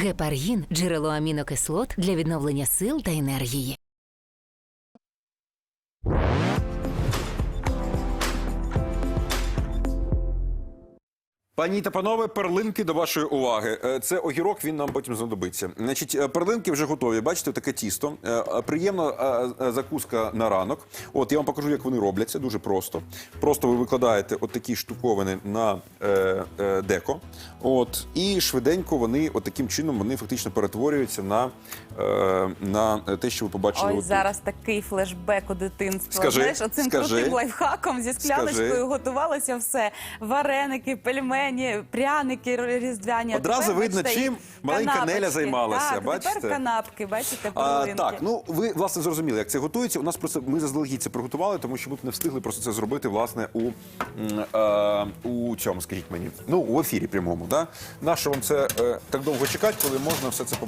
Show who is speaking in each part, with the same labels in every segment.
Speaker 1: Гепаргін – джерело амінокислот для відновлення сил та енергії.
Speaker 2: Пані та панове, перлинки до вашої уваги. Це огірок, він нам потім знадобиться. Значить, перлинки вже готові. Бачите, таке тісто. Приємна закуска на ранок. От, я вам покажу, як вони робляться. Дуже просто. Просто ви викладаєте от такі штуковини на деко. От, і швиденько вони, от таким чином, вони фактично перетворюються на те, що ви побачили.
Speaker 3: Ой, зараз такий флешбек у дитинство.
Speaker 2: Скажи,
Speaker 3: знаєш, оцим крутим лайфхаком зі скляночкою готувалося все. Вареники, пельмені, пряники різдвяні.
Speaker 2: Одразу видно, чим маленька Неля займалася.
Speaker 3: Так,
Speaker 2: бачите?
Speaker 3: тепер канапки, бачите, перлинки.
Speaker 2: Так, ну ви, власне, зрозуміли, як це готується. У нас просто, ми заздалегідь це приготували, тому що ми б не встигли просто це зробити, власне, у цьому, скажіть мені, ну, у ефірі прямому. Да? Нащо вам це так довго чекати, коли можна все це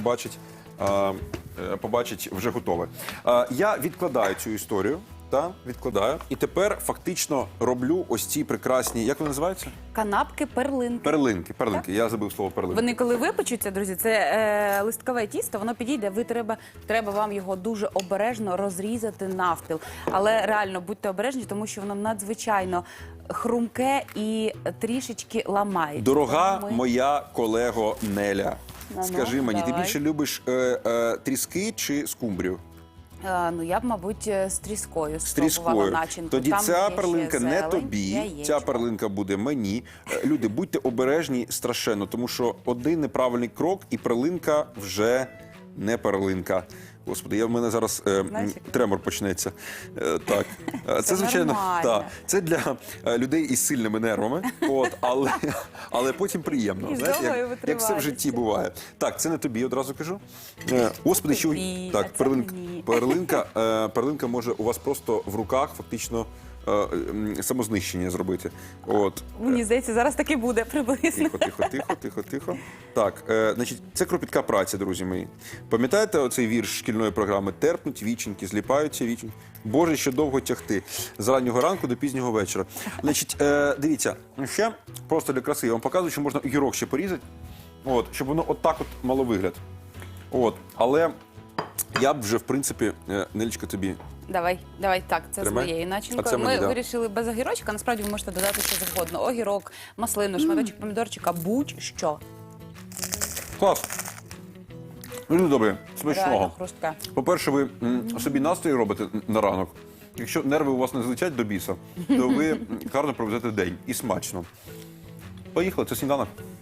Speaker 2: побачить вже готове. Я відкладаю цю історію. Відкладаю. І тепер фактично роблю ось ці прекрасні, як вони називаються?
Speaker 3: Канапки-перлинки.
Speaker 2: Перлинки. Я забув слово перлинки.
Speaker 3: Вони коли випечуться, друзі, це листкове тісто, воно підійде, треба вам його дуже обережно розрізати навпіл. Але реально будьте обережні, тому що воно надзвичайно хрумке і трішечки ламається.
Speaker 2: Дорога моя колего Неля, скажи мені,
Speaker 3: давай.
Speaker 2: ти більше любиш тріски чи скумбрію?
Speaker 3: Ну, я б, мабуть, з тріскою
Speaker 2: Тріскою.
Speaker 3: начинку.
Speaker 2: Тоді
Speaker 3: Там
Speaker 2: ця
Speaker 3: є
Speaker 2: перлинка
Speaker 3: ще
Speaker 2: не
Speaker 3: зелень,
Speaker 2: тобі,
Speaker 3: яєчко.
Speaker 2: ця перлинка буде мені. Люди, будьте обережні страшенно, тому що один неправильний крок і перлинка вже не перлинка. Господи, в мене зараз тремор почнеться. Так, це звичайно, це для людей із сильними нервами, але потім приємно. Знаєте, як все в житті буває. Так, це не тобі, одразу кажу. Господи, що так, перлинка може у вас просто в руках фактично самознищення зробити. От.
Speaker 3: Мені здається, зараз так і буде приблизно.
Speaker 2: Тихо. Так, значить, це кропітка праця, друзі мої. Пам'ятаєте оцей вірш шкільної програми? Терпнуть віченьки, зліпаються віченьки. Боже, що довго тягти. З раннього ранку до пізнього вечора. Значить, дивіться, ще просто для краси я вам показую, що можна огірок ще порізати, от, щоб воно отак от мало вигляд. От, але я б вже, в принципі, Нелечка, тобі...
Speaker 3: Давай, так, це з моєю начинкою. Ми вирішили без огірочка, насправді ви можете додати що завгодно. Огірок, маслину, шматочок помідорчика, будь-що.
Speaker 2: Клас. Дуже добре, смачного.
Speaker 3: Хрустке.
Speaker 2: По-перше, ви собі настрій робите на ранок. Якщо нерви у вас не злетять до біса, то ви гарно проведете день. І смачно. Поїхали, це сніданок.